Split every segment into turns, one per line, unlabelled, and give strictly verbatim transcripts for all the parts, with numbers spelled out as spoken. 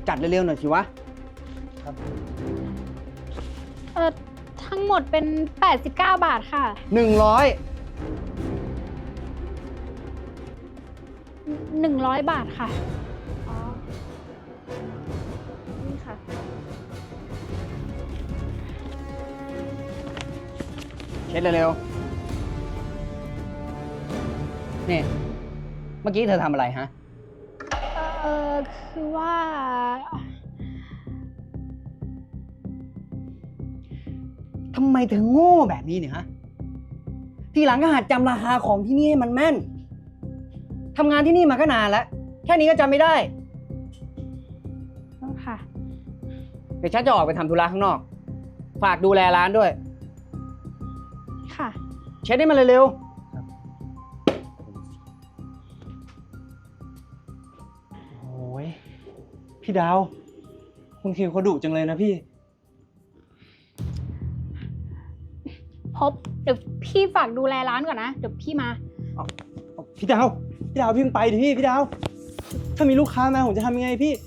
จัดเร็วๆหน่อยสิวะ
ครับ
เออทั้งหมดเป็นแปดสิบเก้าบาทค่ะ
หนึ่งร้อย
หนึ่งร้อยบาทค่ะ
อ๋อ นี่ค่ะ
เช็ดเร็วๆ นี่ เมื่อกี้เธอทำอะไรฮะ
เออคือว่า
ทำไมเธอโง่แบบนี้เนี่ยฮะ ทีหลังก็หัดจำราคาของที่นี่ให้มันแม่น ทำงานที่นี่มาก็นานแล้ว แค่นี้ก็จำไม่ได้
ค่ะ
เดี๋ยวฉันจะออกไปทำธุระข้างนอก ฝากดูแลร้านด้วย
ค่ะ
เช็ดให้มันเร็ว
โอ้ยพี่ดาว คุณคิวเขาดุจังเลยนะพี่
พบ เดี๋ยวพี่ฝากดูแลร้านก่อนนะ เดี๋ยวพี่มา
พี่ดาว พี่ดาวพี่เพิ่งไปดิพี่ พี่ดาว ถ้ามีลูกค้ามาผมจะทำยังไงพี่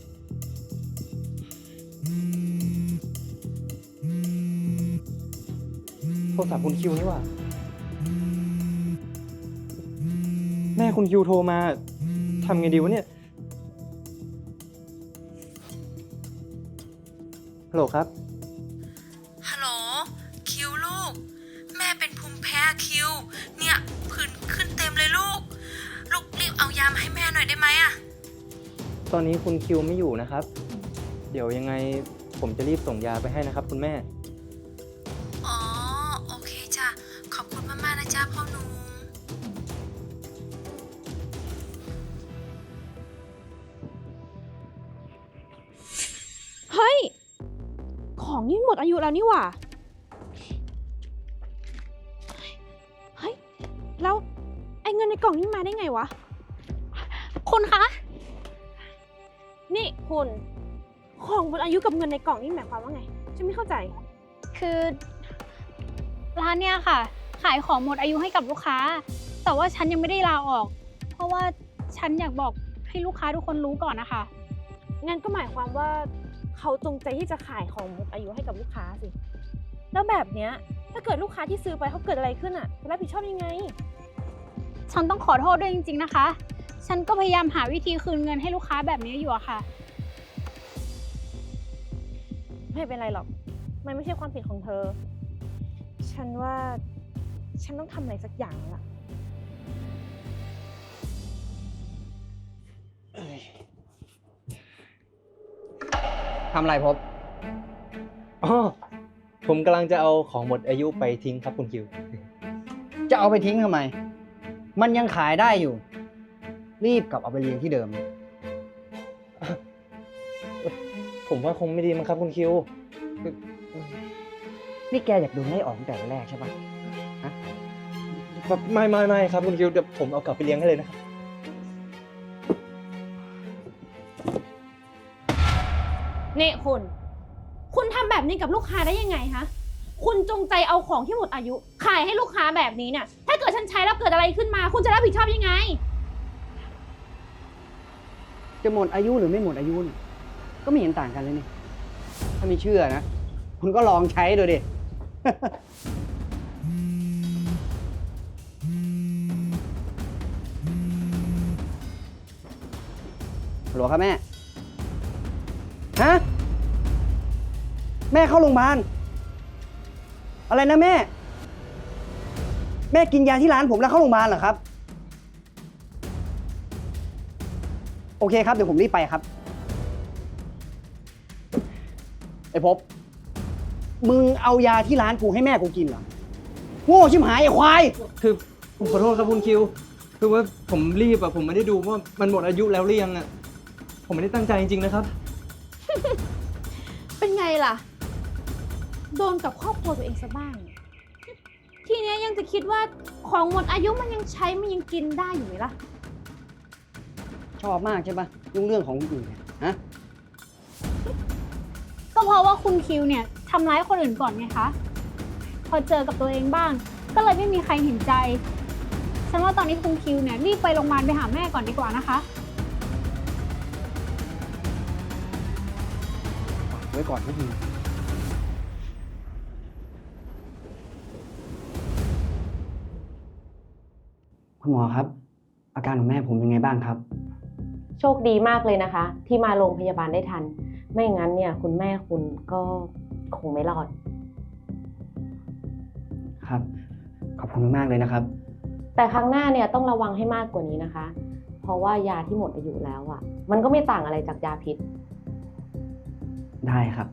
โทรศัพท์คุณคิวนี่หว่า แม่คุณคิวโทรมาทำไงดีวะเนี่ย ฮัลโหลครับ
ฮัลโหลคิวลูกแม่เป็นภูมิแพ้คิวเนี่ยผื่นขึ้นเต็มเลยลูกลูกรีบเอายามาให้แม่หน่อยได้ไหมอะ
ตอนนี้คุณคิวไม่อยู่นะครับ เดี๋ยวยังไงผมจะรีบส่งยาไปให้นะครับคุณแม่
อ๋อโอเคจ้ะขอบคุณมากๆนะจ๊ะพ่อหนุ่ม
เฮ้ย ของนี่หมดอายุแล้วนี่หว่า เฮ้ย แล้วไอ้เงินในกล่องนี่มาได้ไงวะ
คุณคะ
นี่คุณ ของหมดอายุกับเงินในกล่องนี่หมายความว่าไง ฉันไม่เข้าใจ
คือร้านเนี่ยค่ะ ขายของหมดอายุให้กับลูกค้า แต่ว่าฉันยังไม่ได้ลาออก เพราะว่าฉันอยากบอกให้ลูกค้าทุกคนรู้ก่อนนะคะ
งั้นก็หมายความว่าเขาจงใจที่จะขายของหมดอายุให้กับลูกค้าสิ แล้วแบบเนี้ยถ้าเกิดลูกค้าที่ซื้อไปเขาเกิดอะไรขึ้นอ่ะจะรับผิดชอบยังไง
ฉันต้องขอโทษด้วยจริงๆนะคะ ฉันก็พยายามหาวิธีคืนเงินให้ลูกค้าแบบนี้อยู่อะค่ะ
ไม่เป็นไรหรอก มันไม่ใช่ความผิดของเธอ ฉันว่าฉันต้องทำอะไรสักอย่างแล้วล่ะ
ๆ ทำอะไรพบ
อ๋อ ผมกำลังจะเอาของหมดอายุไปทิ้งครับคุณคิว
จะเอาไปทิ้งทำไม มันยังขายได้อยู่ รีบกลับเอาไปเลี้ยงที่เดิม
ผมว่าคงไม่ดีมั้งครับคุณคิว
นี่แกอยากโดนไล่ออกตั้งแต่วันแรกใช่ปะฮะ
ไม่ไม่ไม่ครับคุณคิวเดี๋ยวผมเอากลับไปเลี้ยงให้เลยนะครับ
นี่คุณ คุณทำแบบนี้กับลูกค้าได้ยังไงคะ คุณจงใจเอาของที่หมดอายุ ขายให้ลูกค้าแบบนี้เนี่ย ถ้าเกิดฉันใช้แล้วเกิดอะไรขึ้นมา คุณจะรับผิดชอบยังไง
จะหมดอายุหรือไม่หมดอายุเนี่ยก็ไม่เห็นต่างกันเลยนี่ ถ้าไม่เชื่อนะ คุณก็ลองใช้ดูดิ ฮัลโหลครับแม่ ฮะ แม่เข้าโรงพยาบาล อะไรนะแม่ แม่กินยาที่ร้านผมแล้วเข้าโรงพยาบาลเหรอครับ โอเคครับ เดี๋ยวผมรีบไปครับ ไอ้ภพบ มึงเอายาที่ร้านกูให้แม่กูกินเหรอ โง่ชิบหายไอ้ควาย
คือผมขอโทษครับคุณคิว คือว่าผมรีบอะผมไม่ได้ดูว่ามันหมดอายุแล้วหรือยังอะผมไม่ได้ตั้งใจจริงๆนะครับ
เป็นไงล่ะ โดนกับครอบครัวตัวเองซะบ้าง ทีเนี้ยยังจะคิดว่าของหมดอายุมันยังใช้มันยังกินได้อยู่ไหมล่ะ
ชอบมากใช่ปะยุ่งเรื่องของคนอื่นเนี่ยฮะ
ก็เพราะว่าคุณคิวเนี่ยทำร้ายคนอื่นก่อนไงคะ พอเจอกับตัวเองบ้าง ก็เลยไม่มีใครเห็นใจ ฉันว่าตอนนี้คุณคิวเนี่ยรีบไปโรงพยาบาลไปหาแม่ก่อนดีกว่านะคะ
ว้ก่อนพวกมึงคุณหมอครับ อาการของแม่ผมเป็นไงบ้างครับ
โชคดีมากเลยนะคะ ที่มาโรงพยาบาลได้ทัน ไม่งั้นเนี่ยคุณแม่คุณก็คงไม่รอด
ครับ ขอบคุณมากๆเลยนะครับ
แต่ครั้งหน้าเนี่ยต้องระวังให้มากกว่านี้นะคะ เพราะว่ายาที่หมดอายุแล้วอ่ะ มันก็ไม่ต่างอะไรจากยาพิษ
ได้ครับ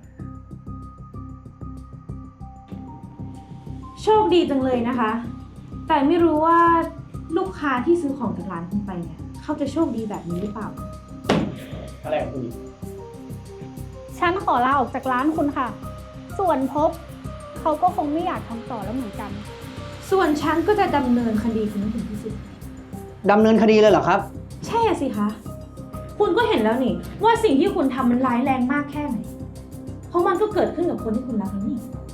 โชคดีจังเลยนะคะ แต่ไม่รู้ว่าลูกค้าที่ซื้อของจากร้านคุณไปเนี่ยเขาจะโชคดีแบบนี้หรือเปล่า
อะไรของคุณ
ฉันขอลาออกจากร้านคุณค่ะ ส่วนพบเขาก็คงไม่อยากทำต่อแล้วเหมือนกัน
ส่วนฉันก็จะดำเนินคดีคุณให้ถึงที่สุด
ดำเนินคดีเลยเหรอครับ
ใช่อะสิคะ คุณก็เห็นแล้วนี่ว่าสิ่งที่คุณทำมันร้ายแรงมากแค่ไหน เพราะมันก็เกิดขึ้นกับคนที่คุณรักนี่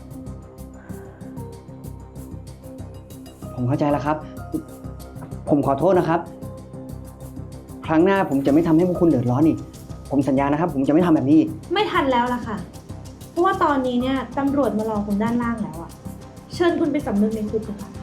ผมเข้าใจแล้วครับ ผมขอโทษนะครับ ครั้งหน้าผมจะไม่ทำให้พวกคุณเดือดร้อนอีก ผมสัญญานะครับ ผมจะไม่ทำแบบนี้อีก
ไม่ทันแล้วล่ะค่ะ เพราะว่าตอนนี้เนี่ยตำรวจมารอคุณด้านล่างแล้วอะเชิญคุณไปสำนึกในคุกเถอะค่ะ